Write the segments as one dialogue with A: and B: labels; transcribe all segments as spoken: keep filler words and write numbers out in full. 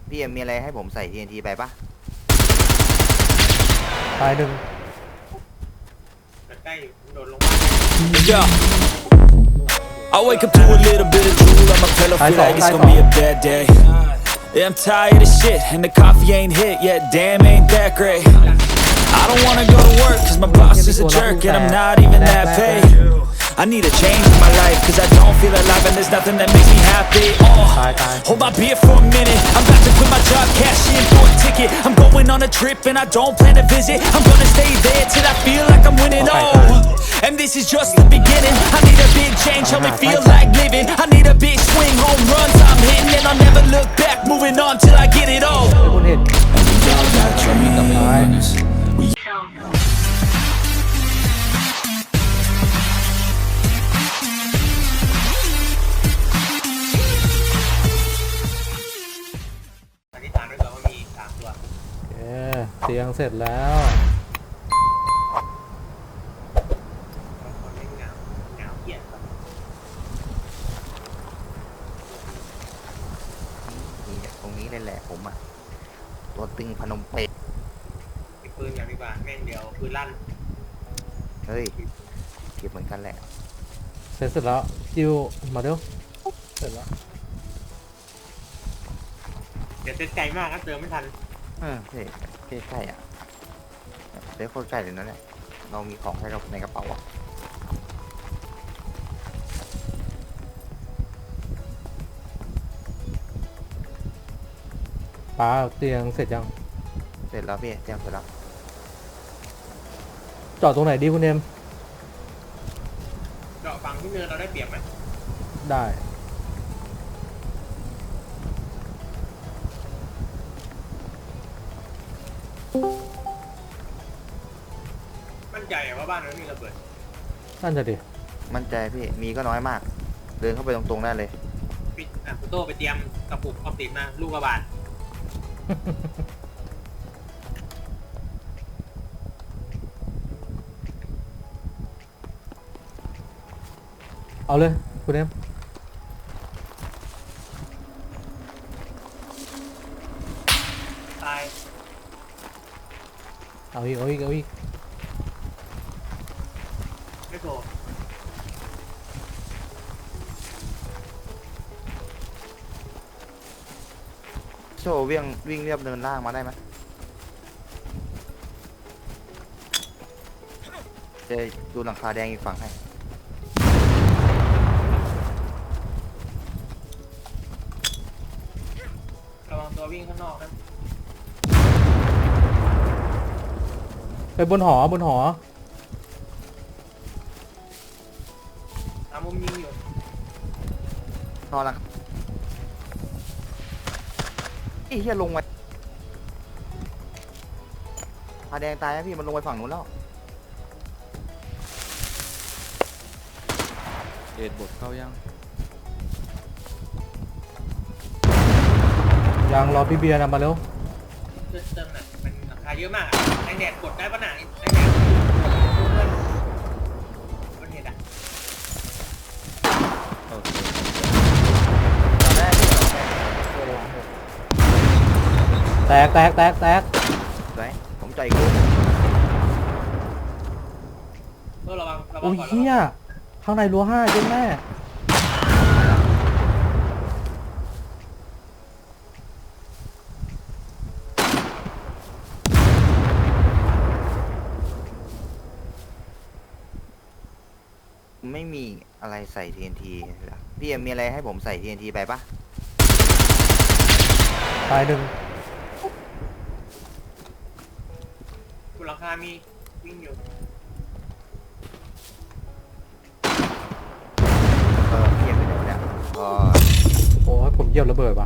A: พี่เอ็มมีอะไรให้ผมใส่ ที เอ็น ที ไปปะ
B: ตายหนึ่ง
C: ใกล้โดนลง
D: Yeah. I wake up to a little bit of drool on my pillow, feel like it's gonna be a bad day. Yeah, I'm tired of shit, and the coffee ain't hit yet, damn, ain't that great. I don't wanna go to work, cause my boss is a jerk, and I'm not even that paid. I need a change in my life, cause I don't feel alive, and there's nothing that makes me happy. Oh, hold my beer for a minute, I'm about to quit my job, cash in for a ticket. I'm going on a trip, and I don't plan to visit. I'm gonna stay there till I feel like I'm winning. Oh, and this is just the beginning. I need a big change, help me feel like living. I need a big swing, home runs I'm hitting, and I'll never look back, moving on till I get it all.
B: คุณเห็น
D: And we all got dreams. We
C: สันนิษฐานไว้ก่อนว่ามีสามตัว
B: เอ๊ะเตียงเสร็จแล้ว
C: บางคนไม่เหงาเหงาเกลียดครับ
A: นี่ตรงนี้เลยแหละผมอะตัวตึงพนมเปญ
C: มีปืนอย่างดีกว่าแม่งเดียวปืนลั่น
A: เฮ้ยเก็บเหมือนกันแหละ
B: เสร็จเสร็จแล้วจิวมาเร็วเสร็จแล้ว
C: เดี๋ยวเต้นไกลมากนะเติมไม่ทัน
A: เออเฮ้ยใกล้ๆอ่ะเดี๋ยวโคตรใกล้เลยนั่นแหละเรามีของให้เราในกระเป๋าอ่ะ
B: ป้าเตียงเสร็จยัง
A: เสร็จแล้วพี่เตรียมเสร็จแล้ว
B: จอดตรงไหนดีคุณเอ็ม
C: เจาะฝั่งที่เนินเราได้เปรียบไหม
B: ได้
C: มั่นใจว่าบ้านเราไม่มีระเบิด
B: นั่นจะดิ
A: มั่นใจพี่มีก็น้อยมาก เดินเข้าไปตรงๆได้เลย
C: ปิดอ่ะคุณโต้ไปเตรียมกระปุกออมสินมาลูกกระบาด
B: เอาเลยคุณเอ็ม
C: ตาย
B: เอาอีกเอาอีกเอาอีก
C: ไม่โผล่
A: โชว์วิ่งวิ่งเรียบเนินล่างมาได้ไหมจะดูหลังคาแดงอีกฝั่งให้
C: ระวังตัววิ่งข้างนอกนะ
B: ไปบนหอบนหอ
C: ตามมุมยิงอยู่
A: นอนหลังไอ้เหี้ยลงไปคาแดงตายนะพี่มันลงไปฝั่งนู้นแล้ว
E: เดดบทเข้ายัง
B: ยังรอพี่เบียร์นะมาเร็ว
C: เติมเติมหน่ะมันราคาเยอะมากแองแดดกดได้ปะหนาแองแดดมันเห็นอ่ะ
E: โอเค
A: ตอนแรกพี่เราแตก
B: แตกแตกแตกแตก
A: สวยผมจ่ายอีกลูก
C: โต้ระวังระวั
B: โอ้
C: ง
B: ย
C: ก่อน
B: เฮียข้างในรั้วห้าเจ๊แม่
A: ไม่มีอะไรใส่ ที เอ็น ที เหรอพี่เอ็มมีอะไรให้ผมใส่ ที เอ็น ที ไปปะ
B: ตายหนึ่ง
C: คุณราคามีวิ่งอยู่
A: เออพี่เอ็มไปไหนวะเนี่ยก็
B: โอ้ยผมเหยียบระเบิดว่ะ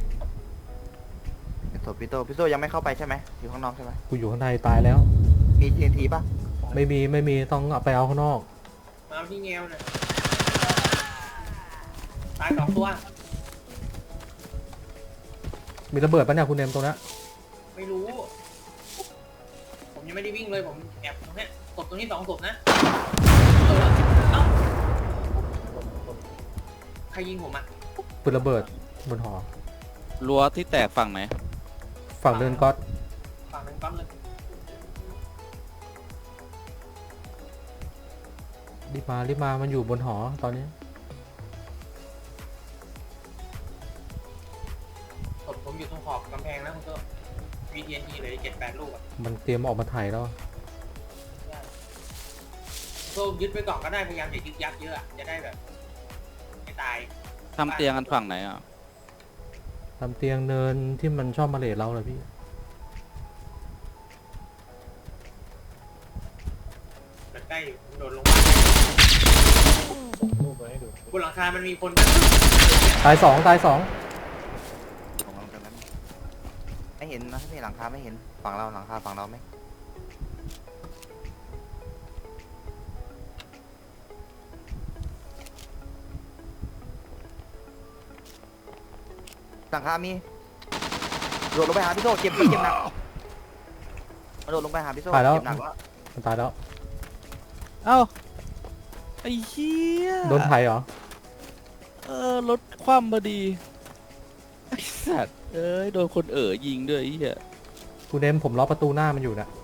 A: โทพี่โตพี่โตยังไม่เข้าไปใช่ไหมอยู่ข้างนอกใช่ไหม
B: กูอยู่ข้างในตายแล้ว
A: มี ที เอ็น ที ปะ
B: ไม่มีไม่มีต้องเอาไปเอาข้างนอก
C: มาที่เงวเนี่ยตายสองตัว
B: มีระเบิดปะเนี่ยคุณเอ็มตรงนั้น
C: ไม่รู้ ผมยังไม่ได้วิ่งเลยผมแอบตรงเนี้ยศพตรงนี้สองศพนะเออเอ้าใครยิงผมอ่ะ
B: ปืนระเบิดบนหอ
E: รั้วที่แตกฝั่งไหน
B: ฝั่งเดินก๊อต
C: ฝั่งหนึงปั๊มเลย
B: รีบมารีบมามันอยู่บนหอตอนนี้
C: ศพผมอยู่ตรงขอบกำแพงนะคุณโต้วีทีเอ็นทีเลยเจ็ดแปดลูกอ่ะ
B: มันเตรียมออกมาถ่ายแล้ว
C: คุณโต้ยึดไว้ก่อนก็ได้พยายามอย่ายึดยักเยอะอะจะได้แบบไม่ตาย
E: ทำเตียงกันฝั่งไหนอ่ะ
B: ทำเตียงเนินที่มันชอบมาเลทเราเลยพี่
C: เกิดใกล้อยู่ผมโดดลงมาบนหลังคามันมีคนนะ
B: ตายสองตายสอง
A: ผมลองกันนั้นไม่เห็นนะพี่หลังคาไม่เห็นฝั่งเราหลังคาฝั่งเราไหมหลังคามีโดดลงไปหาพี่โซ่เจ็บเจ็บหนักมาโดดลงไปหาพี่โซ่
B: ตายแล้ว
A: เจ็บหนักแล้ว
B: มันตายแล้ว
E: เอ้าไอ้เหี้ย
B: โดนไถ่เหรอ
E: เออรถคว่ำพอดีไอ้สัตว์เอ้ยโดนคนเอ๋อยิงด้วยไอ้เหี้ย
B: กูเดมผมล็อกประตูหน้ามันอยู่นะ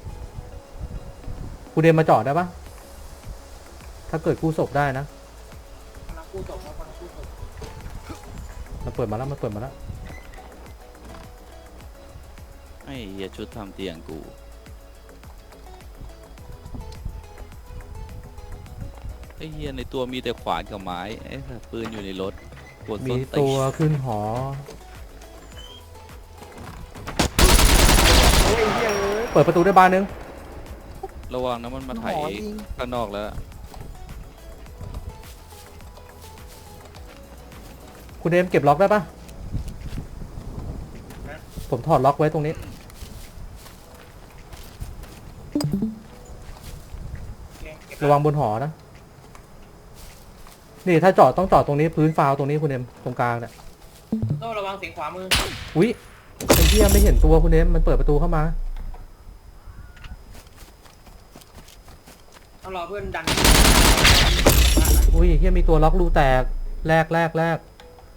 B: กูเดมมาจอดได้ปะถ้าเกิดกู้ศพได้นะ
C: กำลังกู้ศพแล้วกำลังกู้ศพ
B: มันเปิดมาแล้วมันเปิดมาแล้ว
E: ไอ้เหี้ยชุดทำเตียงกูไอ้เหี้ยในตัวมีแต่ขวานกับไม้ไอ้สัตว์ปืนอยู่ในรถปวด
B: มี
E: ส้นตี
B: ตัวน ขึ้นหอ
A: โอ้ยเฮ้ย
B: เปิดประตูได้บานนึง
E: ระวังนะมันมาไถ
A: หอยิง
E: ข้างนอกแล้ว
B: คุณเดมเก็บล็อกได้ปะผมถอดล็อกไว้ตรงนี้
C: โอเคเก็บ
B: ระวังบนหอนะ นี่ถ้าจอดต้องจอดตรงนี้พื้นฟาวตรงนี้คุณเดมตรงกลางเนี่ย
C: โต้ระวังเสียงขวามือ
B: อุ๊ยไอ้เหี้ยไม่เห็นตัวคุณเดมมันเปิดประตูเข้ามา
C: ต้องรอเพื่อนดัน
B: อุ้ยเหี้ยมีตัวล็อกรูแตกแรกแรกแรก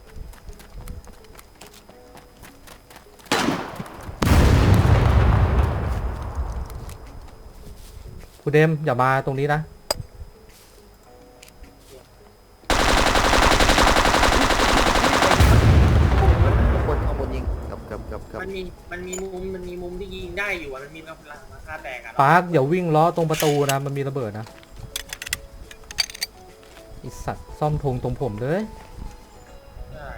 B: คุณเดมอย่ามาตรงนี้นะ
A: คนข้างบนยิงเกือบเกือบเกือบเกือบ
C: มันมีมันมีมุมมันมีมุมที่ยิงได้อยู่อะมันมีหลังคาแตกอะ
B: ปาร์คอย่าวิ่งล้อตรงประตูนะมันมีระเบิดนะไอสัตว์ซ่อมธงตรงผมเลย
C: ใช่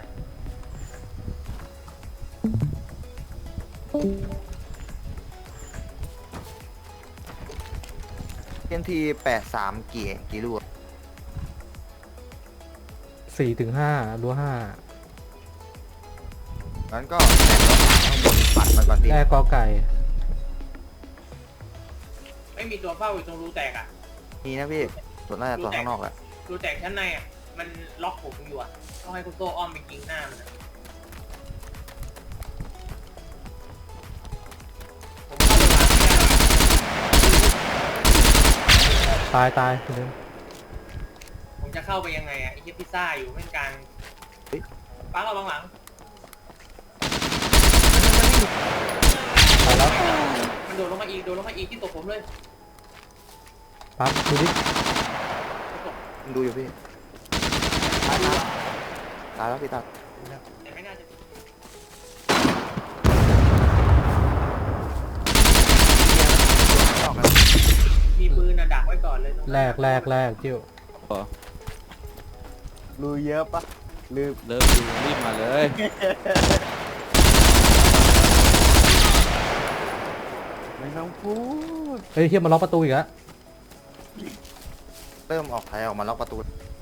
A: เอ็นทีแปดสามกี่กี่ลูก
B: สี่ถึงห้ารั้วห้า
A: งั้นก็แตกแล้วข้างบนปัดมันก่อนพี่
B: แรกกอไก่
C: ไม่มีตัวเฝ้าอยู่ตรงรูแตกอะ
A: มีนะพี่ส่วนน่าจะตัวข้างนอกแหละ
C: รูแตกชั้นในอะมันล็อกผมอยู่อะต้องให้คุณโต้อ้อมไปยิงหน้ามันอะผมเข้าไปวางไม่ได้
B: ตายตายคุณเดม
C: ผมจะเข้าไปยังไงอะไอ้เหี้ยพิซซ่าอยู่ไม่กลางป้าเราบังหลัง
B: ตายแล้ว
C: มันโดดลงมาอีกโดดลงมาอีกที่ตกผมเลย
B: ปั๊บดูดิ
A: ดูอยู่พี่ตายแล้วตายแล้วพี่ตาย
C: แต่ไม่น่าจะ
A: ออกกัน
C: มีปืนอะดักไว้ก่อนเลยตรงนั้น
B: แรกแรกแรกจิ้ว
E: พอ
A: รูเยอะปะลืม
E: เริ่มดูรีบมาเลย
A: ไม่ต้องพูด
B: เฮ้ยเฮียมาล็อกประตูอีกแล้ว
A: เริ่มออกไทยออกมาล็อกประตู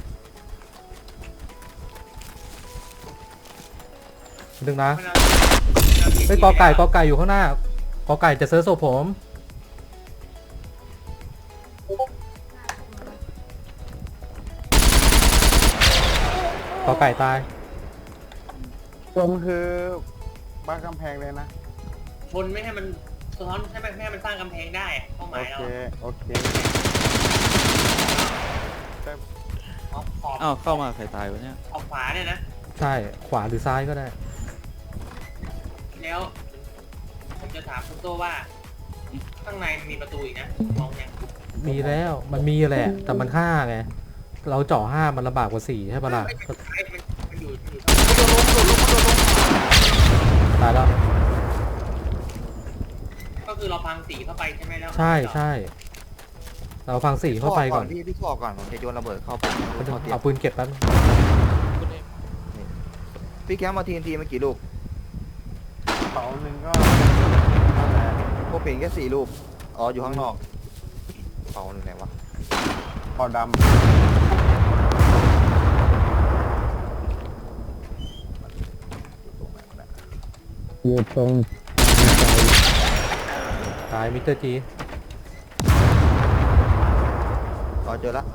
B: ดึงนะ
C: มันเอา
B: เฮ้ยกอไก่กอไก่อยู่ข้างหน้ากอไก่จะเซิร์ชโซผมกอไก่ตาย
F: ผมคือบ้านกำแพงเลยนะ
C: ชนไม่ให้มันสะท้อนให้มันไม่ให้มันสร้างกำแพงได้อะเป้าห
F: โอ
C: มายเรา
F: เค โอเค
C: ออกขอบ
E: อ้าวเข้ามาใครตายวะเนี่ย
C: ออกขวาเนี่ยนะ
B: ใช่ขวาหรือซ้ายก็ได้
C: แล้วผมจะถามคุณโตว่า ข้างในมีประตูอีกนะมองยัง
B: มีแล้วมันมีแหละ แต่มันห้าไงเราเจาะห้ามันลำบากกว่าสี่ใช่ปะล่ะ
C: ไม่เป็นไรมันมันอยู่มันอยู่
B: ตายแล้ว
C: ก็คือเราพังสีเข้าไปใช่ไหมแล้ว
B: ใช่ใช่เราฟังสี่เข้าไปก่อน
A: พี่พี่ขอก่อนผมจะโยนระเบิดเข้าไปเข้าเตียง
B: เอาปืนเก็บแป๊บ
E: คุณเอ็ม
A: พี่แคมมาทีนทีเมื่อกี่ลูก
F: เป๋าหนึ่งก็นั่นแหละ
A: พวกเปลี่ยนแค่สี่ลูกอ๋ออยู่ข้างนอกเป่าหนึ่งไหนวะ
F: เป๋าด
A: อยู่ตรง
B: ตายมิสเตอร์จี
A: อ๋อเจอละ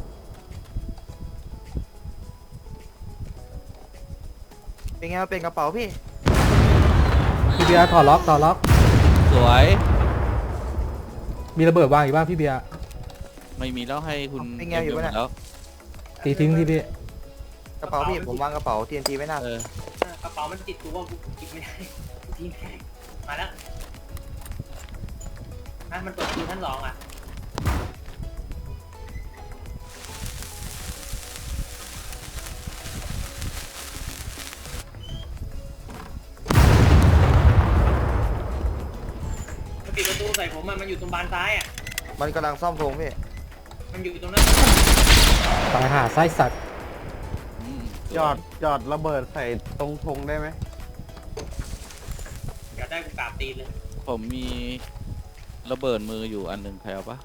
A: เป็นไงเป็นกระเป๋าพี่
B: พี่เบียร์ถอดล็อกถอดล็อก
E: สวย
B: มีระเบิดวางอีกบ้างพี่เบียร์
E: ไม่มีแล้วให้คุณ
A: เป็นไงอยู่วะเนี่ย
E: แล้ว
B: ตีทิ้งที่พี่
A: กระเป๋าพี่ผมวางกระเป๋าทีนทีไว้หน้า
E: เออ
C: กระเป๋ามันติดตัวกูจิบไม่ได้ทิ้งไม่ได้มาแล้วนะมันเปิดประตูชั้นสองอ่ะมันปิดประตูใส่ผมอะมันอยู่ตรงบานซ้ายอ่ะ
A: มันกำลังซ่อมโพรงพี่
C: มันอยู่ตรงนั้น
B: ตายหาไส้สัตว์
E: อืมสวย
F: ำหยอดหยอดระเบิดใส่ตรงธงได้ไหม
C: อยากได้กูกราบตีนเลย
E: ผมมีระเบิดมืออยู่อันหนึ่งใครเอาปะ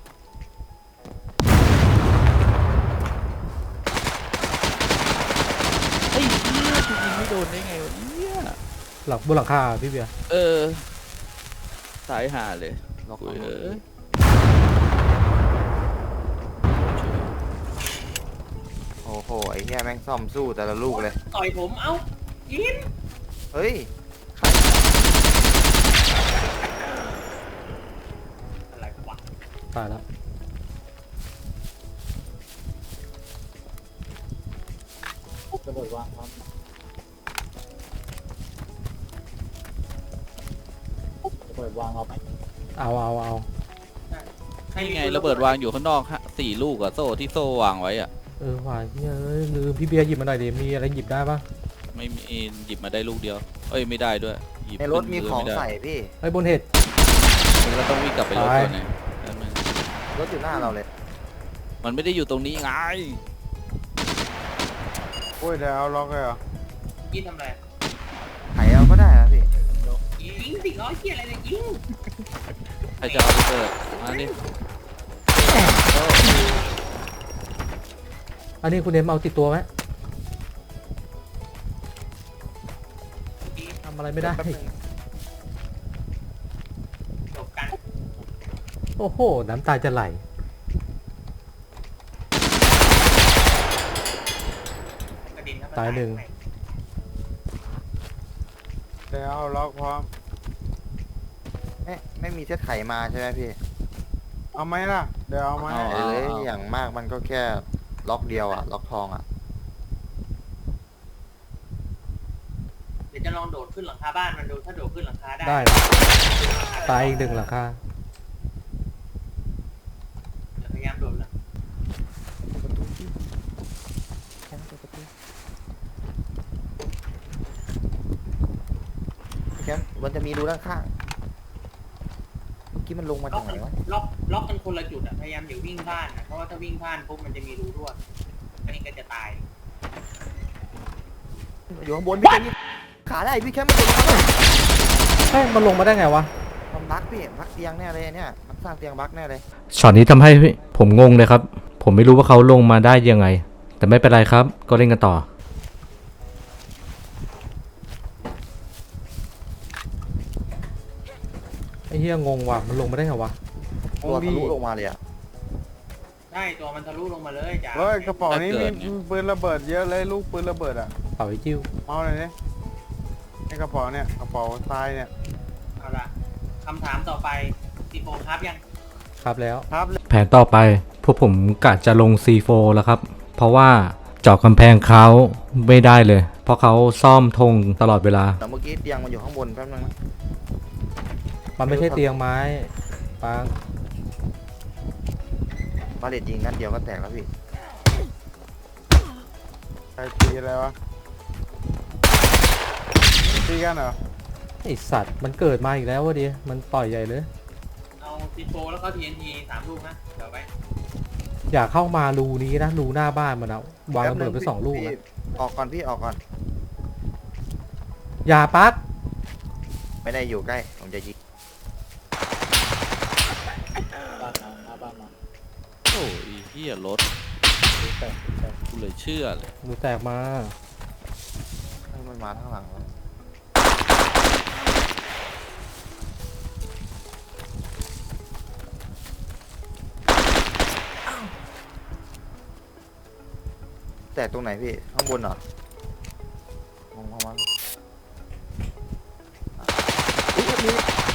E: ไอ้เหี้ยคุณยิงไม่โดนได้ไงวะเนี่ย
B: หลังบนหลังคาพี่เบียร์
E: เออสายหาเลย
A: ล็อก
E: โอ้ย
A: เล
E: เอ้
A: ย
E: ย
A: โอ้โหไอ้เหี้ยแม่งซ่อมสู้แต่ละลูกเลย
C: ต่อยผมเอ้ายิน
A: เฮ้ย
C: อะไรวะ
B: ตายแล้ว
G: ระเบิดวางครับระเบิดวางเอาไหม
B: เอาเอาเอา
E: นี่ไงระเบิดวางอยู่ข้างนอกฮะสี่ลูกอะโซ่ที่โซ่วางไว้อะ
B: เออว่ะเฮ้ยลืมพี่เบียร์หยิบมาหน่อยดิมีอะไรหยิบได้ปะ
E: ไม่มีหยิบมาได้ลูกเดียวเอ้ยไม่ได้ด้วยหยิบ
A: ในรถมี
E: ขึ้น
A: ของ
E: ไได้
A: ใส่พี่
B: ไอ้บนเห็ด
E: มันก็ต้องวิ่งกลับไปรถ
B: ตาย
E: ก่อนนะแป๊บนึง
A: รถอยู่หน้าเราเลย
E: มันไม่ได้อยู่ตรงนี้ไง
F: โอ้ยเดี๋ยวเอาล็อกเลยเหรอ
C: ยินทำอะไร
A: ไขเอาก็ได้นะพี่
C: ยิงสิล้อเกียอะไรเนี่ยยิง
E: ใครจะเอาไปเปิดมาดิ
B: อันนี้คุณเอ็มเอาติดตัวไหมทำอะไรไม่ได้
A: แป๊บนึง
C: จบกัน
B: โอ้โหน้ำตาจะไหล
C: กระดิ่งครับ
B: ตายหนึ่ง
F: เดี๋ยวเอาล็อกพร้อม
A: ไม่ไม่มีเซตไขมาใช่ไหมพี่
F: เอาไหมล่ะ เดี๋ยวเอาไหม
A: เอ้ยอย่างมากมันก็แค่ล็อกเดียวอะล็อกทองอะ
C: เดี๋ยวจะลองโดดขึ้นหลังคาบ้านมันดูถ้าโดดขึ้นหลังคาได้
B: ได้ตายอีกหนึ่งหลังคา
C: เดี๋ยวพยายามโดดละ
A: พี่แคมมันจะมีรูด้านข้างเมื่อกี้มันลงมา
C: ล็อ
A: จาก กไหน
C: กัน
A: วะ
C: ล็อกล็อกกันคนละจุดอะพยายามอย่าวิ่งพลาดนะเพราะว่าถ้าวิ่งพลาดปุ๊บมันจะมีรูรั่วอันนี้ก็จะตาย
A: อยู่ข้างบนพี่แคมขาได้พี่แคมมันลงมาเลย
B: เฮ้ยมันลงมาได้ไงวะ
A: ทำบั๊กพี่บั๊กเตียงแน่เลยเนี่ยมันสร้างเตียงบั๊กแน่เลย
H: ช็อตนี้ทำให้ผมงงเลยครับ ผมไม่รู้ว่าเขาลงมาได้ยังไง แต่ไม่เป็นไรครับ ก็เล่นกันต่อ
B: ไอ้เหี้ยงงว่ะมันลงมาได้ไงวะ
A: ตัวทะลุลงมาเลยอะ
C: ได้ตัวมันทะลุลงมาเลยจ้า
F: เฮ้ยกระเป๋านี้มีปืนระเบิดเยอะเลยลูกปืนระเบิดอ่ะ
B: เป่าไอ้จิ้ว
F: เมาเลยนี่ในกระเป๋าเนี่ยกระเป๋าทรายเนี่ย
C: เอาละคำถามต่อไปซีโฟครับยัง
B: ครับแล้ว
F: ครับ
H: แผนต่อไปพวกผมกะจะลง ซี โฟร์ แล้วครับ เพราะว่าเจาะกำแพงเขาไม่ได้เลยเพราะเขาซ่อมธงตลอดเวลา
A: แต่เมื่อกี้เตียงมันอยู่ข้างบนแป๊บนึงนะ
B: มันไม่ใช่เตียงไม้ปัง
A: บาเลตยิงนัดเดียวก็แตกแล้วพี่
F: ใครตีอะไรวะตีกันเหรอ
B: ไอสัตว์มันเกิดมาอีกแล้ววะดิมันต่อยใหญ่เลย
C: เอาซีโฟแล้วก็ทีเอ็นทีสามลูกนะเดี๋ยวไป
B: อย่าเข้ามารูนี้นะรูหน้าบ้านมันอะวาง
A: แป๊บ
B: ระ
A: นึ
B: เบิดไปสองลูก
A: พี่
B: นะ
A: ออกก่อนพี่ออกก่อน
B: อย่าปัก
A: ไม่ได้อยู่ใกล้ผมจะยิง
G: บ้านมาหน้าบ้านมา
E: โอ้ยเฮียรถ
G: ดูแต่ดูแต่
E: กูเลยเชื่อเลย
B: รูแตกมา
A: ให้มันมาข้างหลังแล้วแตกตรงไหนพี่ข้างบนเหรอลงมามาอุ๊ยมี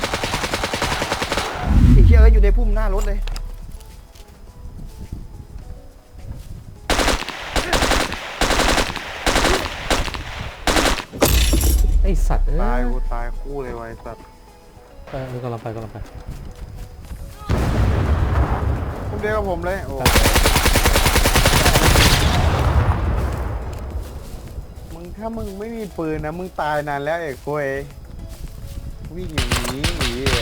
A: ไอ้เหี้ยก็อยู่ในพุ่มหน้ารถเลย
B: ไอสัตว์เอ้
F: ตาย
B: ย
F: กูตายคู่เลยไวะไอ้สัตว์
B: เออกำลังไปกำลังไป
F: คุณเดียวกับผมเลยโอ้มึงถ้ามึงไม่มีปืนนะมึงตายนานแล้วเอกโกยวิ่งอย่างนี้หนีเลย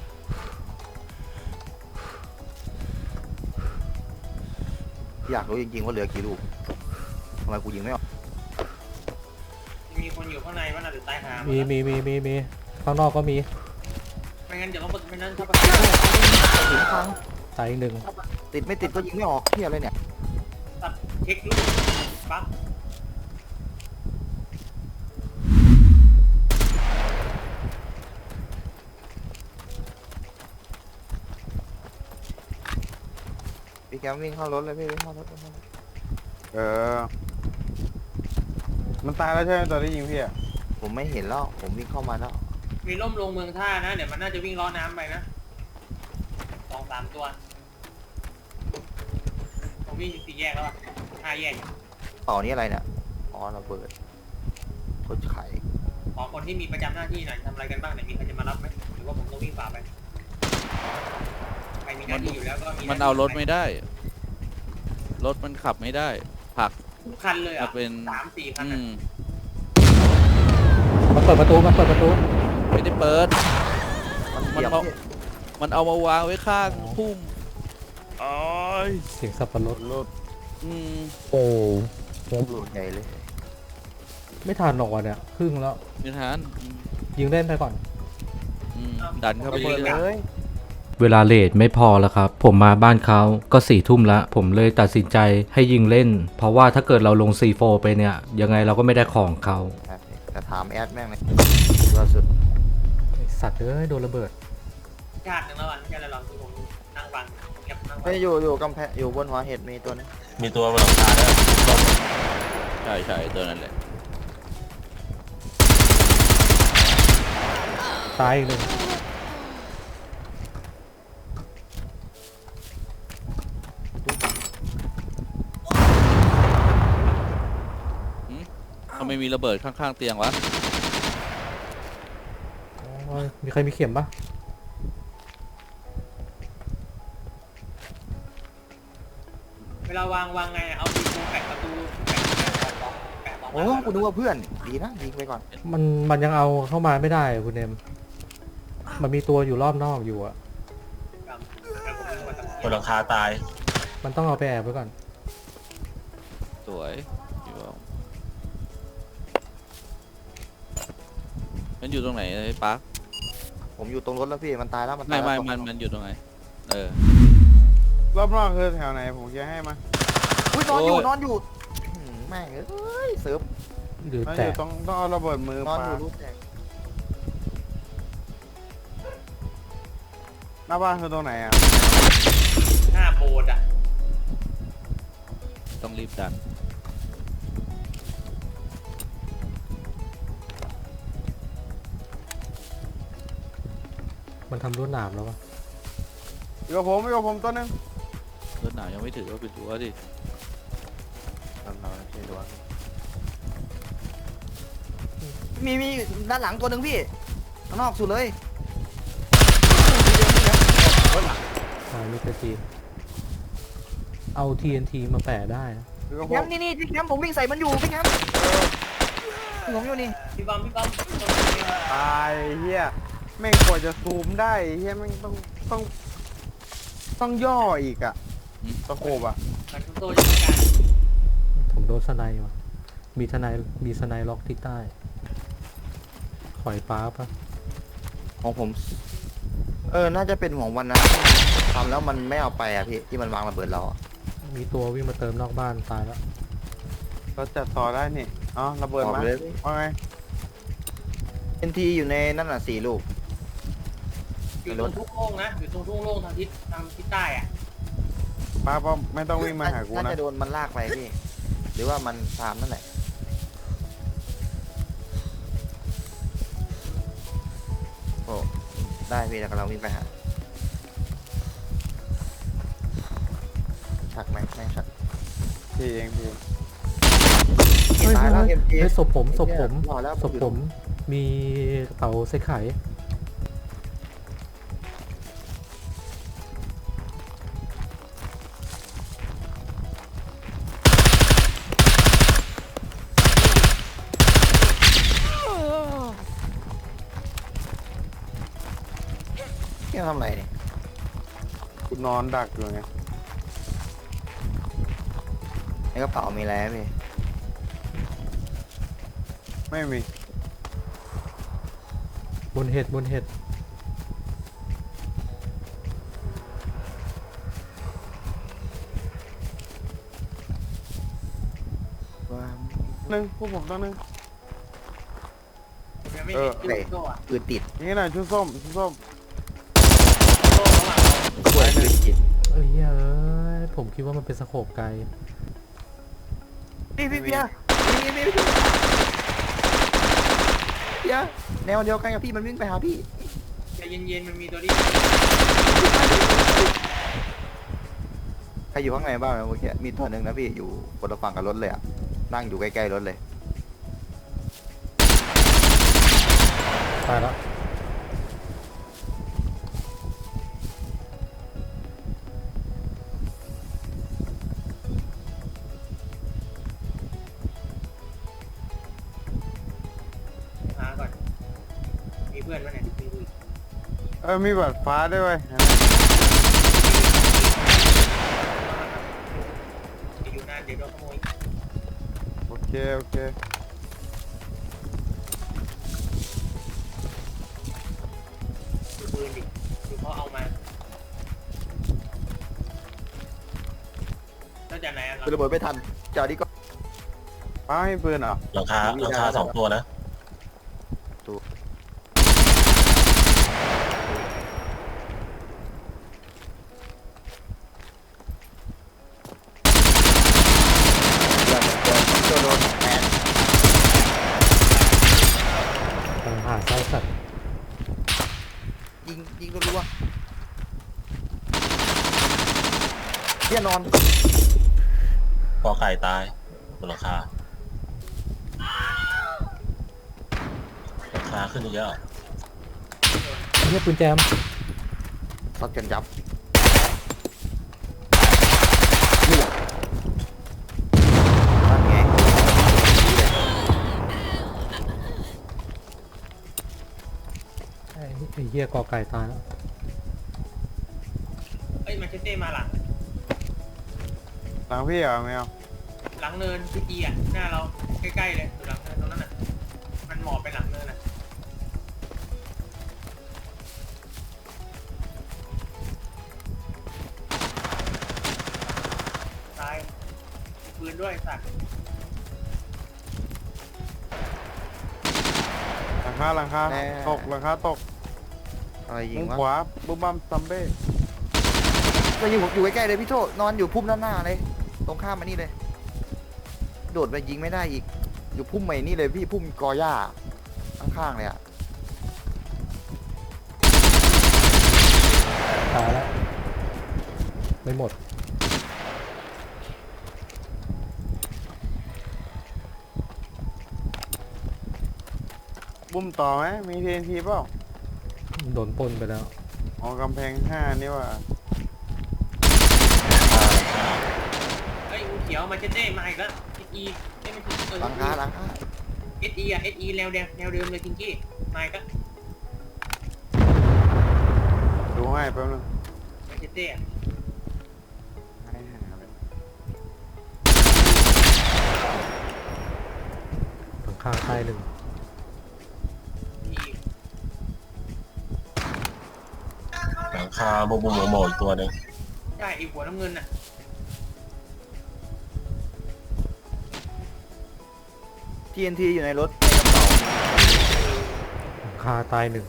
A: อยากรู้จริงๆว่าเหลือกี่ลูกทำไมกูยิงไม่ออก
C: มีคนอยู่ข้างในว่าน่าจะตายหา
B: มี
C: มี
B: มีมีมีมีข้างนอกก็มี
C: ไม่งั้นเดี๋ยวต้องไม่นั้นถ้า
A: ถึงฟัง
B: ตายอีกหนึ่ง
A: ติดไม่ติดก็ยิงไม่ออกเที่ยอะไรเนี่ย
C: ตัดเช็คลูกปั๊บ
A: พี่แคมวิ่งเข้ารถเลยพี่วิ่งเข้ารถเลย
F: เออ มันตายแล้วใช่ไหมตอนที่ยิงพี่อะ
A: ผมไม่เห็นแล้วผมวิ่งเข้ามาแล้ว
C: มีล่มลงเมืองท่านะเดี๋ยวมันน่าจะวิ่งล้อน้ำไปนะสองสามตัวผมวิ่งสี่แยกแล้วอ่ะห้าแยก
A: ต่อนี้อะไรเนี่ยอ๋อระเบิดโคตรไข่
C: ขอคนที่มีประจำหน้าที่หน่อยทำอะไรกันบ้างเนี่ยมีใครจะมารับไหมหรือว่าผมต้องวิ่งฝ่าไปใครมีหน้าที่อยู่แล้วก็มี
E: มันเอารถไม่ได้ รถมันขับไม่ได้ผลัก
C: ทุกคันเลยอ่ะ
E: มาเป็น
C: สามสี่คัน
E: อื
C: อะ
E: ม
B: มันเปิดประตูมันเปิดประตู
E: ไม่ได้เปิด
A: มัน
E: มัน
A: เหยียบ
E: เอา
A: พี่
E: มันเอามาวางไว้ข้างพุ่มอ๋อย
B: เสียงสับปะรด
F: รถ
E: อืม
B: โอ้
A: หลุดใหญ่เลย
B: ไม่ทันหรอกวะเนี่ยครึ่งแล้ว
E: นิทานอืม
B: ยิงเล่นไปก่อน
E: อืมดันเข้าไป
A: ระเบิด
E: เรื่อย
A: เลย
H: เวลาเลทไม่พอแล้วครับ ผมมาบ้านเขาก็สี่ทุ่มละผมเลยตัดสินใจให้ยิงเล่น เพราะว่าถ้าเกิดเราลง ซี โฟร์ ไปเนี่ย ยังไงเราก็ไม่ได้ของเขา
A: แต่ถามแอดแม่งเลยล่าสุด
B: ไอ้สัตว์เอ้ยโดนระเบิด
C: ชาติหนึ่งแล้วอ่ะไม่ใช่อะไรหรอกคือผมนั่งฟังเก็บนั่งฟั
A: ไม่
C: ง
A: อยู่อยู่กำแพงอยู่บนหัวเห็ดมีตัวนึง
I: มีตัวบนหลังคาด้วย
E: ๆใช่ใช่ตัวนั้นแหละ
B: ตายอีกหนึ่ง
E: ทำไมมีระเบิดข้างๆเตียงวะ
B: โอ้ยมีใครมีเข็มปะ
C: เวลาวางวางไงอะเอาดีโฟแปะประตูแปะแปะสองแปะสอง
A: โอ้กูนึกว่าเพื่อนดีนะยิงไปก่อน
B: มันมันยังเอาเข้ามาไม่ได้คุณเนมมันมีตัวอยู่รอบนอกอยู่อะ
I: บนหลังคาตาย
B: มันต้องเอาไปแอบไว้ก่อน
E: สวยอยู่เอามันอยู่ตรงไหนไอ้ปาร์ค
A: ผมอยู่ตรงรถแล้วพี่มันตายแล้วมัน
E: ไม่
A: ตาย
E: ไม่
A: แล้ว
E: มันมันอยู่ตรงไหนเออ
F: รอบนอกคือแถวไหนผมจะให้มา
A: อุ้ยนอนอยู่
E: โอ้ย
A: นอนอยู่อื้อหือแม่งเอ้ยเซิร์ฟ
B: หรือ
F: แล้วอ
B: แต
F: ยู่
B: ก
F: ต้องต้องเอาระเบิดมือน
A: อน
F: ปา
A: อยู่รู้แตก
F: หน้าบ้านคือตรงไหนอ่ะ
C: หน้าโบสถ์อ่ะ
E: ต้องรีบดัน
B: มันทำรวดหนามแล้ววะ
F: อยู่กับผมอยู่กับผมตัวหนึง
E: รถหนาวยังไม่ถือว่าเป็นตัวดิ
A: นอนนอนใช่ตัวมีมีด้านหลังตัวหนึ่งพี่ข้างนอกสุดเลย
B: ตายมิสเตอร์จีเอา ที เอ็น ที มาแปะได้นะ
F: คือก็
A: แคมป์นี่นี่ที่แคมป์ผมวิ่งใส่มันอยู่พี่แคมป์ผมอยู่นี่
C: พี่บอมพี่บอม
F: ตายเฮียแม่งกว่าจะซูมได้เฮียแม่งต้องต้องต้องย่ออีกอะตะโขบอะ
C: มันทุกตัวจะมีการ
B: ผมโดนสไนด์ว่ะมีสไนด์มีสไนด์ล็อกที่ใต้ข่อยป้าปะ
A: ของผม เออน่าจะเป็นของวันนั้นทำแล้วมันไม่เอาไปอ่ะพี่ที่มันวางระเบิดเราอะ
B: มีตัววิ่งมาเติมนอกบ้านตายแล้ว
F: เราจัดต่อได้นี่อ๋อระเบิด
A: ออก
F: มา
A: เลย
F: ว่าไง
A: เอ็นทีอยู่ในนั่นน่ะสี่ลูก
C: อยู่ตรงทุ่งโล่งนะอยู่ตรงทุ่งโล่งทางทิศทางทิศใต้อะ
F: ป้าป้าไม่ต้องวิ่งมาหากู
A: น่า
F: นะ
A: จะโดนมันลากไปพี่ หรือว่ามันตามนั่นแหละโอ้ได้พี่แล้วก็เราวิ่งไปหาชักไหมไม่ชัก
F: พี่เองพี่
B: เฮ้ย
A: ตาย
B: เฮ้
A: แล้ว
B: ย
A: เอ็มจี
B: เฮ้ยศพผมศพผม
A: รอแล้ว
B: ศพผมมีกระเป๋าใส่ไข่
A: พี่ทำอะไรเนี่ย
F: กูนอนดักอยู่ไง
A: ในกระเป๋ามีอะไรไหมพี่
F: ไม่มี
B: บนเห็ดบนเห็ด
A: ว่า
F: หนึ่งพวกผมต้องหนึ่ง
C: ผมยังไม่
F: เอ
C: เห็
F: อ
C: นชื่อโซ่อะ
A: ปืนติด
F: อย่างนี้หน่อยชุดส้มชุดส้ม
C: โซ่ระหว่างเรา
A: ปืนติด
B: เอ้ยเอ้ยผมคิดว่ามันเป็นสโคปไกล
A: พี่พี่เบียร์พี่พี่พี่เบียร์แนวเดียวกันกับพี่มันวิ่งไปหาพี่
C: ใจเย็นๆมันมีตัวที่
A: ใครอยู่ข้างในบ้างนะเมื่อกี้มีตัวหนึ่งนะพี่อยู่คนละฝั่งกับรถเลยอ่ะนั่งอยู่ใกล้ๆรถเลย
B: ตายแล้ว
C: หาก่อนมีเพื่อนไหมเนี่ยมีเพื่อน
F: เออมีบัตรฟ้าด้วยเว้ย
C: อยู่นานเดี๋ยวโดนขโมย
F: โอเคโอเค
C: ดูปืนดิดูเขาเอามาแล้วจากไหนอะครับ
A: คือระเบิดไม่ทันเจ้านี้ก็
F: ป้าให้ปืนเหรอ
I: หลังคาหลังคาสองตัวนะ
A: โดนโดนแอน
B: กำลังหาไส้สัตว์
A: ยิงยิงรัวๆเพี่ยนอน
I: กอไก่ตายบนหลังคาหลังคาขึ้นเยอะ
B: เนี่ยปืนแจม
A: ซัดกันยับนั่นไง
B: ไอ้ไอ้เหี้ยกอไก่ตายแล้ว
C: เอ้ยมาเชสเต้มาหลัง
F: หลังพี่เหรอไม่เอา
C: หลังเนินพี่จีอ่ะหน้าเราใกล้ๆเลยอยู่หลังเนินตรงนั้นน่ะมันหมอบไปหลังเนินน่ะตายมีปืนด้วยสัตว์
F: หลังคาหลังคาตกหลังคาตก
A: อะไรยิ
F: มุ
A: ง
F: ม
A: วะ
F: ขวาบุ้มบัมซัมเบ้
A: ก็อยู่อยู่ใกล้ๆเลยพี่โทษนอนอยู่พุ่มด้านหน้าเลยตรงข้ามมานี่เลย โดดไปยิงไม่ได้อีก อยู่พุ่มใหม่นี่เลยพี่พุ่มกอหญ้าข้างๆเลยอ่ะ
B: ตายแล้วไม่หมด
F: บุ้มต่อไหมมีทีนทีเปล่า
B: โดนปล้นไปแล้ว
F: อ๋อกำแพงห้านี่ว่า
C: เฮ้ยงูเขียวมาเชเต้มาอีกแล้วเอสอีเอ้ยไม่ถึงเออ
A: หลังคาหลังคา
C: เอสอีอะเอสอีแนวเดิมแนวเดิมเลยทิงกี้มาอีกแล้ว
F: ดูให้แป๊บนึง
C: มาเชเต้อะ
F: ให้หาเลย
B: หลังคาใต้หนึ่ง
C: มีอีก
I: หลังคาบุบบุบโมอีกตัวหนึง
C: ใช่ไอีหัวน้ำเงินน่ะ
A: ทีเอ็นทีอยู่ในรถในกระเป๋า
B: หลังคาใต้หนึ่ง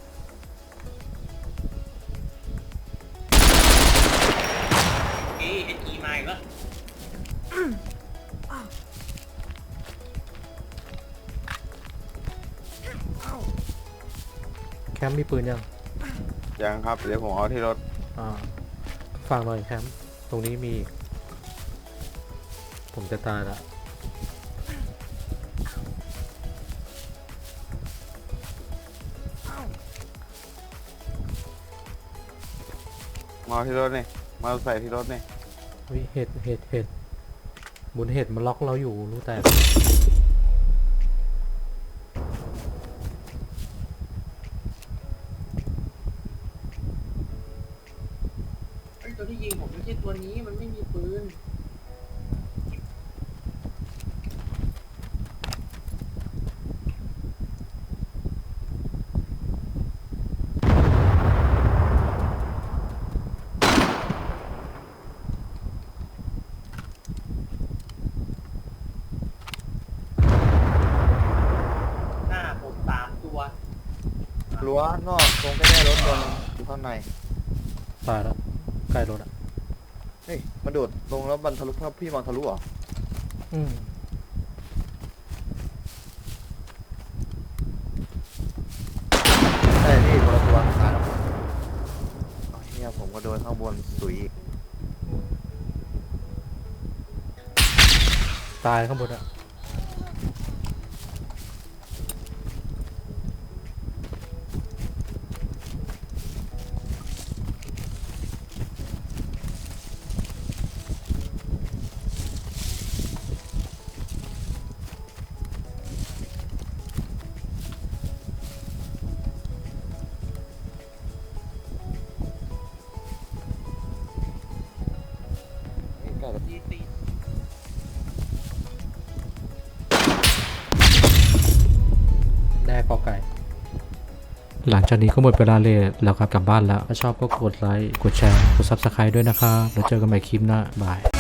C: เอเอสอีมาอีกแล้ว
B: แคมป์มีปืนยัง
F: ยังครับเดี๋ยวผมเอาที่รถ
B: อ่าฟังหน่อยแคมป์ตรงนี้มีอีกผมจะตายละ
F: มาเอาที่รถนี่มาเอาใส่ที่รถนี่
B: วิเห็ดเห็ดเห็ดบนเห็ดมันล็อกเราอยู่รู้แต่
C: ไอ้ยตัวที่ยิงผมไม่ใช่ตัวนี้มันไม่มีปืน หน้าผมสามตัว
A: รั้วนอกตรงใกล้ๆรถตัวนึงอยู่ข้างใน
B: ตายแล้วใกล้รถอ่ะ
A: เฮ้ยมาโดดลงแล้วมันทะลุภาพพี่มองทะลุเหรอ
B: อืม
A: ใช่พี่คนละตัวตายแล้วเอาเฮียผมก็โดนข้างบนสุยอีก
B: ตายข้างบนอ่ะ
A: ใกล้ๆ
C: ดีตี
B: แน่กอไก่
H: หลังจากนี้ก็หมดเวลาเลยแล้วครับกลับบ้านแล้วถ้าชอบก็กดไลค์กดแชร์กด ซับสไครบ์ ด้วยนะครับแล้วเจอกันใหม่คลิปหน้าบาย